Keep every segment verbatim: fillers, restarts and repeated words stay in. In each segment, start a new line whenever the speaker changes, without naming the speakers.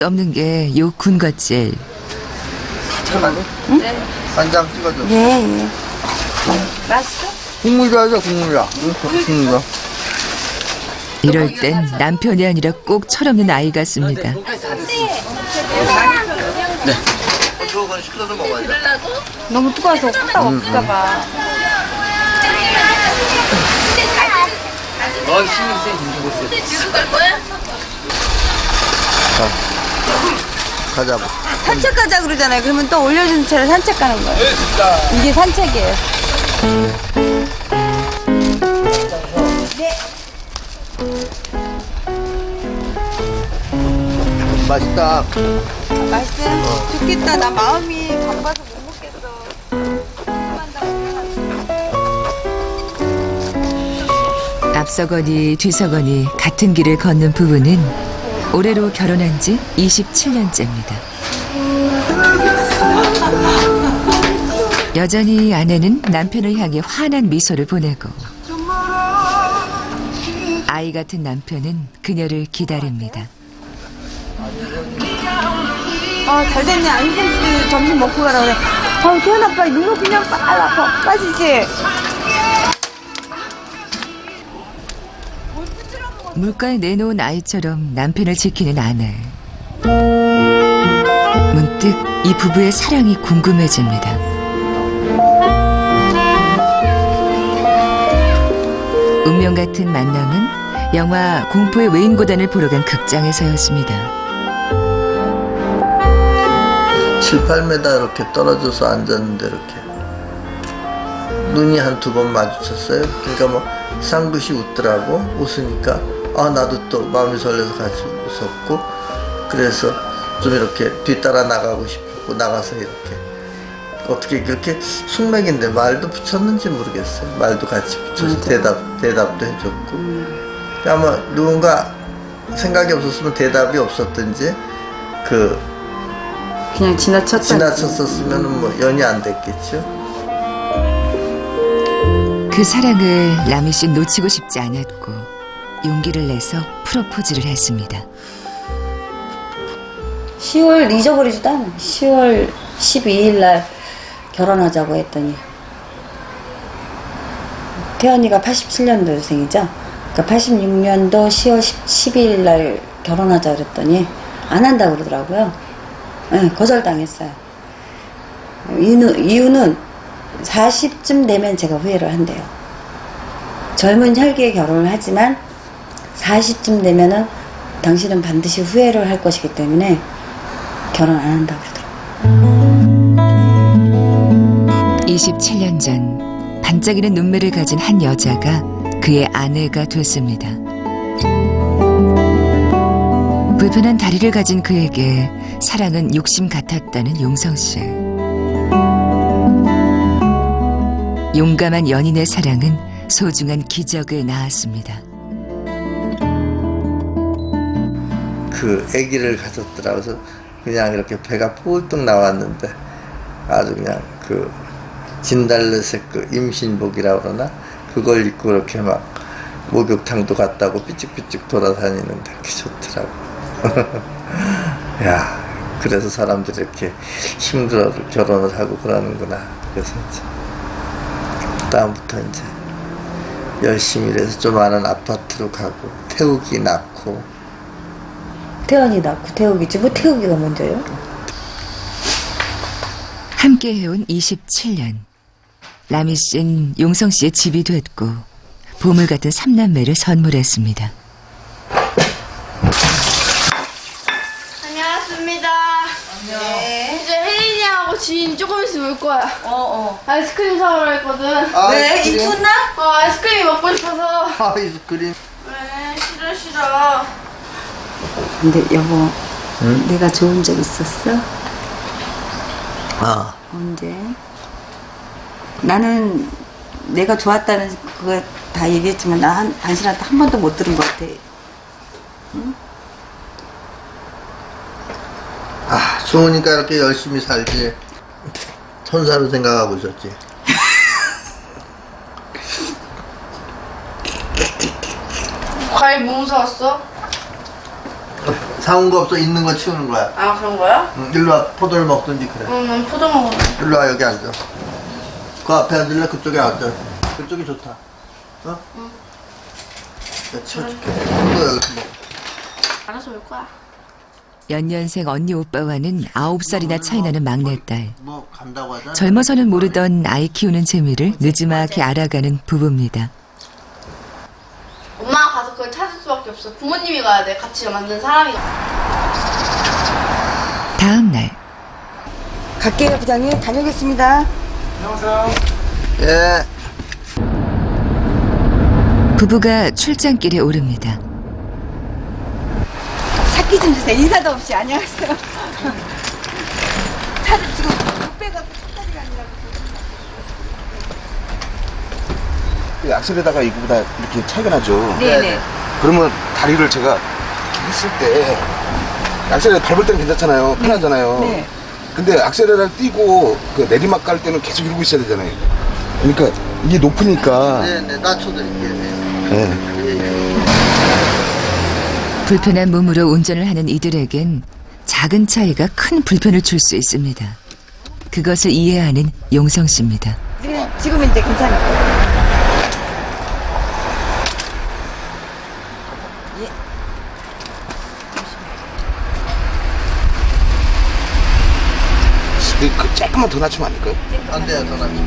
없는 게 요 군것질.
응? 네. 간장 찍어줘. 예, 예. 맛있어? 국물이 하자, 국물이야. 국물이야.
이럴 땐 남편이 아니라 꼭 철없는 아이 같습니다.
네. 그건 시켜서 먹어야 돼.
너무 뜨거워서 홀딱 없을까봐.
넌 신경 쓰이 김주고 쓰. 지금 갈 거야? 가자.
산책 가자 그러잖아요. 그러면 또 올려준 채로 산책 가는 거예요. 네, 진짜. 이게 산책이에요. 네.
맛있다.
아, 맛있어요? 어. 좋겠다. 나 마음이 바빠서 못 먹겠어.
앞서거니 뒤서거니 같은 길을 걷는 부부는 올해로 결혼한 지 이십칠 년째입니다. 여전히 아내는 남편을 향해 환한 미소를 보내고 아이 같은 남편은 그녀를 기다립니다.
아, 잘 됐네. 안선 씨 점심 먹고 가라 그래. 아, 태연 아빠 눈도 그냥 빨라 빠지지.
물가에 내놓은 아이처럼 남편을 지키는 아내. 문득 이 부부의 사랑이 궁금해집니다. 운명 같은 만남은 영화 공포의 외인고단을 보러 간 극장에서였습니다.
칠, 팔 미터 이렇게 떨어져서 앉았는데 이렇게 눈이 한 두 번 마주쳤어요. 그러니까 뭐 쌍긋이 웃더라고. 웃으니까 아 나도 또 마음이 설레서 같이 웃었고, 그래서 좀 이렇게 뒤따라 나가고 싶었고 나가서 이렇게 어떻게 그렇게 숙맥인데 말도 붙였는지 모르겠어요. 말도 같이 붙여서
맞아.
대답 대답도 해줬고 음. 아마 누군가 생각이 없었으면 대답이 없었든지 그
그냥 지나쳤다.
지나쳤었으면 뭐 연이 안 됐겠죠.
그 사랑을 라미 씨 놓치고 싶지 않았고 용기를 내서 프로포즈를 했습니다.
시월 잊어버리지도 않아. 시월 십이일 날 결혼하자고 했더니 태연이가 팔십칠 년도생이죠. 그러니까 팔십육 년도 시월 십이일 날 결혼하자 그랬더니 안 한다고 그러더라고요. 네, 거절당했어요. 이유는, 이유는 사십쯤 되면 제가 후회를 한대요. 젊은 혈기에 결혼을 하지만 사십쯤 되면은 당신은 반드시 후회를 할 것이기 때문에 결혼 안 한다고 그러더라고요.
이십칠 년 전 반짝이는 눈매를 가진 한 여자가 그의 아내가 됐습니다. 불편한 다리를 가진 그에게 사랑은 욕심 같았다는 용성 씨. 용감한 연인의 사랑은 소중한 기적을 낳았습니다.
그 아기를 가졌더라. 그래서 그냥 이렇게 배가 뿔뚝 나왔는데 아주 그냥 그 진달래색 그 임신복이라고 그러나 그걸 입고 이렇게 막 목욕탕도 갔다고 삐찍삐찍 돌아다니는데 그게 좋더라고. 야, 그래서 사람들이 이렇게 힘들어 결혼을 하고 그러는구나. 그래서 이제 다음부터 이제 열심히 일해서 좀 아는 아파트로 가고 태우기 낳고.
태연이 낳고 태우기지 뭐 태우기가 먼저요?
함께 해온 이십칠 년. 라미 씨는 용성 씨의 집이 됐고 보물 같은 삼남매를 선물했습니다.
안녕하십니다. 네. 이제 혜린이하고 지인 조금 있으면 올 거야.
어, 어.
아이스크림 사오라 했거든.
왜? 입춘나?
어, 아이스크림 먹고 싶어서.
아이스크림.
왜? 싫어, 싫어.
근데 여보,
응?
내가 좋은 적 있었어?
아,
언제? 나는 내가 좋았다는 그거 다 얘기했지만 나 한, 당신한테 한 번도 못 들은 것 같아. 응?
아, 좋으니까 이렇게 열심히 살지. 천사로 생각하고 있었지.
과일 뭐 사왔어?
사온 거 없어. 있는 거 치우는 거야.
아 그런 거야?
응, 일로 와. 포도를 먹든지 그래.
그럼 난 포도 먹어.
일로 와. 여기 앉아. 그 앞에 앉을래? 그쪽에 앉아. 그쪽이 좋다. 어? 응. 내가 치워줄게. 너 여기서 먹어.
알아서 올 거야.
연년생 언니 오빠와는 아홉 살이나 차이 나는 막내딸.
뭐 간다고 하잖아.
젊어서는 모르던 아이 키우는 재미를 늦지막이 알아가는 부부입니다.
엄마가 가서 그걸 찾을 수밖에 없어. 부모님이 가야 돼. 같이 만든 사람이.
다음 날
갈게요, 부장님. 다녀오겠습니다.
예.
부부가 출장길에 오릅니다.
차키 좀 주세요. 인사도 없이. 안녕하세요. 차를 지금 육배가 차까지가 아니라고.
이 악셀에다가 이거보다 이렇게 차이가 나죠.
네네.
그러면 다리를 제가 이렇게 했을 때 악셀에 밟을 때는 괜찮잖아요. 편하잖아요.
네.
근데 악셀에를 띄고 그 내리막 갈 때는 계속 이러고 있어야 되잖아요. 그러니까 이게 높으니까.
네네. 낮춰드릴게요.
네.
불편한 몸으로 운전을 하는 이들에겐 작은 차이가 큰 불편을 줄 수 있습니다. 그것을 이해하는 용성 씨입니다.
지금, 지금은 이제 괜찮을까요?
근데 그 조금만 더 낮추면 안 될까요?
안 돼요. 더 낮춰.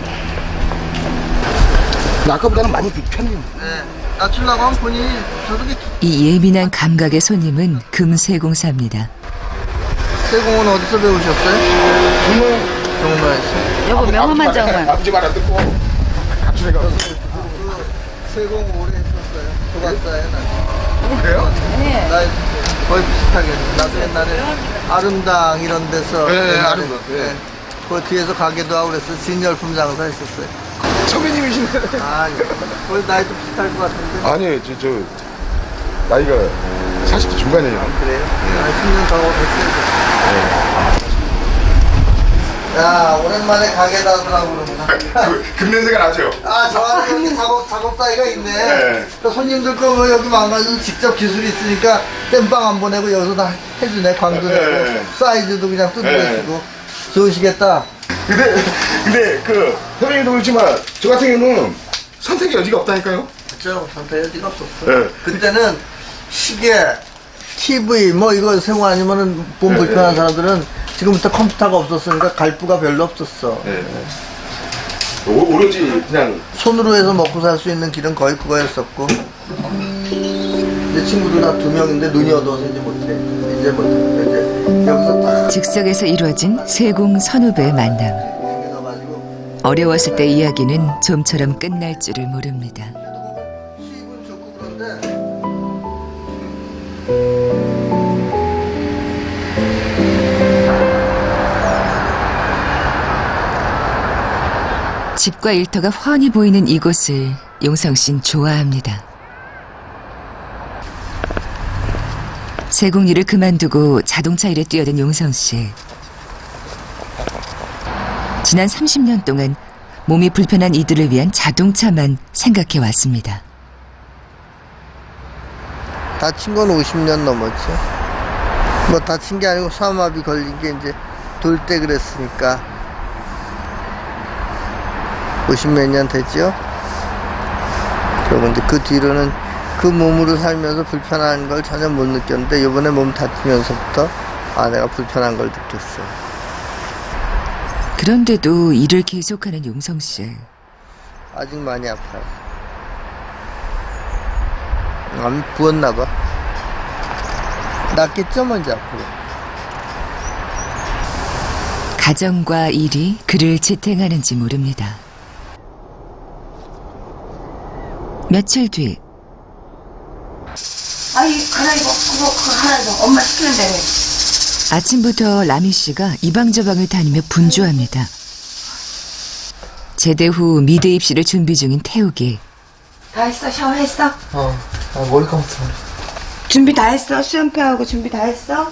근데 아까보다는 많이 편해요.
네. 낮추려고 하면 본인이 저렇게
이 예민한 감각의 손님은 금세공사입니다.
세공은 어디서 배우셨어요? 정말에서.
여보, 명함 한 장만.
아버지 말 안 듣고 가출해가.
세공 오래 했었어요. 조각사에 나.
그래요?
네.
나 거의 비슷하게. 나도 옛날에 아름당 이런 데서.
네,
옛날에,
아름당, 네.
네. 그 뒤에서 가게도 하고 그랬어. 진열품 장사 했었어요.
선배님이시네.
아니, 거의 나이도 비슷할 것 같은데.
아니에요. 저, 저 나이가 사십 대 중반이에요.
그래요? 한 십 년 더 됐어요. 야, 오랜만에 가게 닫으라고 그러구나.
그, 금냄새가 나죠?
아, 저 안에 여기 작업, 작업사이가 있네.
네.
그 손님들 거 뭐 여기 망가져서 직접 기술이 있으니까 땜빵 안 보내고 여기서 다 해주네. 광도 내고.
네.
사이즈도 그냥 뜯어내시고.
네.
좋으시겠다.
근데, 근데, 그, 선생님도 그렇지만, 저 같은 경우는 선택의 여지가 없다니까요?
그죠? 선택 여지가 없었어.
네.
그때는 시계, 티비, 뭐 이거 세고 아니면은 몸 불편한 사람들은 지금부터 컴퓨터가 없었으니까 갈부가 별로 없었어.
네. 오, 오로지 그냥,
손으로 해서 먹고 살 수 있는 길은 거의 그거였었고. 내 친구들 다 두 명인데 눈이 어두워서 이제 못해. 이제 못해. 이제 여기서 딱
즉석에서 이루어진 세공 선후배의 만남.
생겨가지고
어려웠을 때 이야기는 좀처럼 끝날 줄을 모릅니다.
수입은 좋고 그런데
집과 일터가 훤히 보이는 이곳을 용성 씨는 좋아합니다. 세공 일을 그만두고 자동차 일에 뛰어든 용성 씨. 지난 삼십 년 동안 몸이 불편한 이들을 위한 자동차만 생각해 왔습니다.
다친 건 오십 년 넘었죠. 뭐 다친 게 아니고 사마비 걸린 게 이제 돌 때 그랬으니까 오십 몇 년 됐죠. 그리고 이제 그 뒤로는 그 몸으로 살면서 불편한 걸 전혀 못 느꼈는데 이번에 몸 다치면서부터 아 내가 불편한 걸 느꼈어.
그런데도 일을 계속하는 용성 씨.
아직 많이 아파요. 암이 부었나 봐. 낫겠죠 먼저 앞으로.
가정과 일이 그를 지탱하는지 모릅니다. 며칠 뒤
아이, 갈아입어. 그거, 그거 갈아입어. 엄마 시키는 대로.
아침부터 라미 씨가 이방저방을 다니며 분주합니다. 제대 후 미대 입시를 준비 중인 태욱이.
다 했어? 샤워했어?
어, 아, 머리 감았어.
준비 다 했어? 수연표하고 준비 다 했어?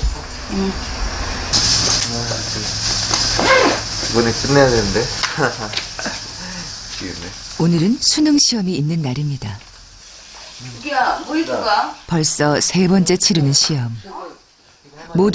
이번에 끝내야 되는데.
오늘은 수능 시험이 있는 날입니다.
이게야 뭐 입을 거야?
벌써 세 번째 치르는 시험.